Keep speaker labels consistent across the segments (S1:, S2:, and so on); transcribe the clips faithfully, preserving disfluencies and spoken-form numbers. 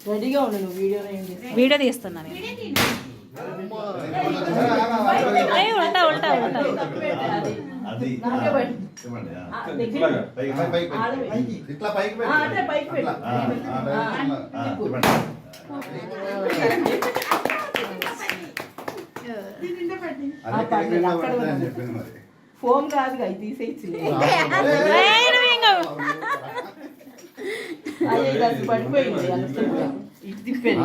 S1: రెడీగా ఉండు నువ్వు వీడియో
S2: వీడియో తీస్తున్నా నేను. అయ్యి ఉంటా ఉంటా ఉంటా
S1: ఫోన్ కాదు అవి తీసేసి పడిపోయింది ఇటు తిప్పాను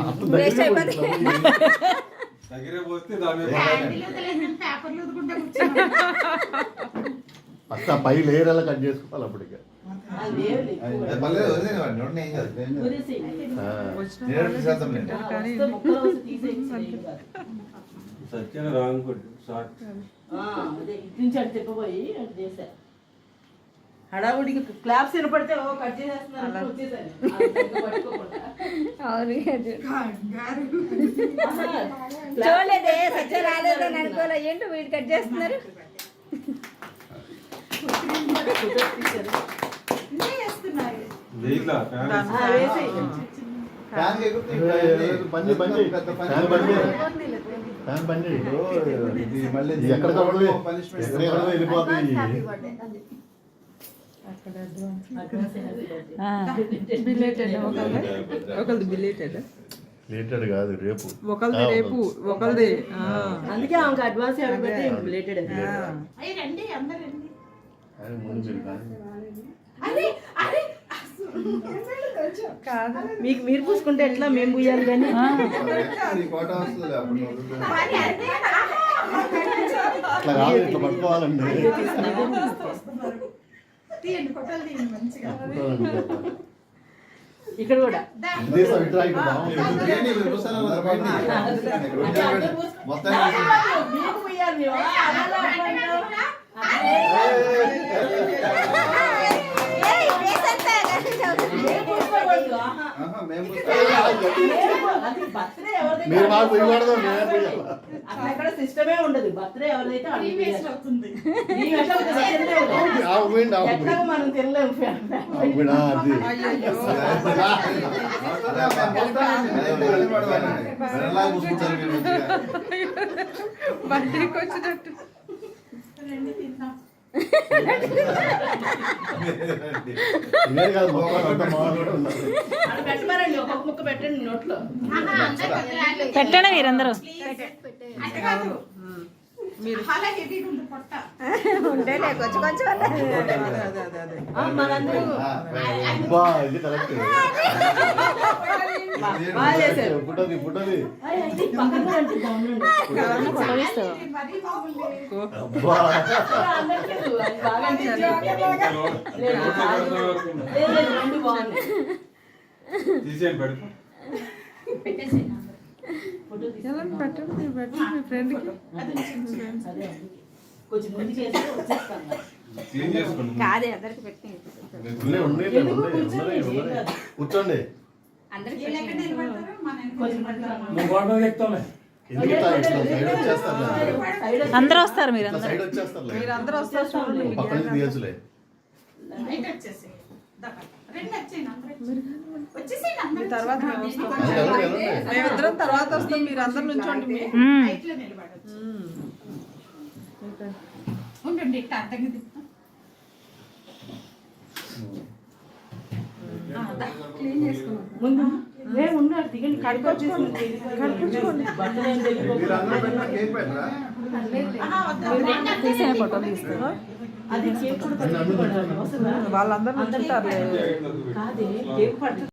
S3: అక్క పై లేయర్ అలా కట్ చేసుకోవాలి అప్పటికే.
S1: చెప్పబోయి చేశా హడావుడికి క్లాప్స్ వినపడితే ఓ కట్ చేసేస్తున్నారు
S2: చూడలేదే సత్య రాలేదని అనుకోలే ఏంటో వీడు కట్ చేస్తున్నారు.
S3: లేటెడ్ కాదు రేపు
S4: ఒకళ్ళది రేపు ఒకళ్ళది
S1: అందుకే ఆమెకు అడ్వాన్స్ పెట్టి బిలేటెడ్ మీకు మీరు పూసుకుంటే ఎట్లా మేము పూయాలి కానీ
S3: అట్లా కాదు ఇట్లా పట్టుకోవాలండి.
S1: ఇక్కడ కూడా మీకు పూయాలి
S3: మీరు మాకు ఇవ్వడదు
S1: అక్కడ సిస్టమే ఉండదు. బర్త్డే ఎవరైతే మనం తినలేము.
S4: బర్త్డేకి వచ్చినట్టు
S1: పెట్టమనండి ఒక్కొక్క ముక్క పెట్టండి నోట్లో
S2: పెట్టండి మీరందరూ
S4: ఉండేలే కొంచెం కొంచెం
S1: మనందరూ
S3: పుట్టది పుట్టది
S4: పెట్టండి పెట్టండి మీ ఫ్రెండ్కి
S2: కాదే అందరికి పెట్టి
S3: కూర్చోండి.
S2: అందరూ వస్తారు మీరు
S3: సైడ్ వచ్చేస్తారు
S4: మీరు అందరూ వస్తారు
S3: పక్కన తీయచ్చులే.
S4: తర్వాత మేమిద్దరం తర్వాత వస్తాం. మీరు అందరు నుంచోండి.
S1: ముందు ఉండాలి దిగండి కడుకొచ్చేసుకోండి
S4: తీసే ఫోటో తీస్తారా?
S1: అది
S4: వాళ్ళందరూ నుంచుంటారు.
S1: కాదే కేక్ పడుతుంది.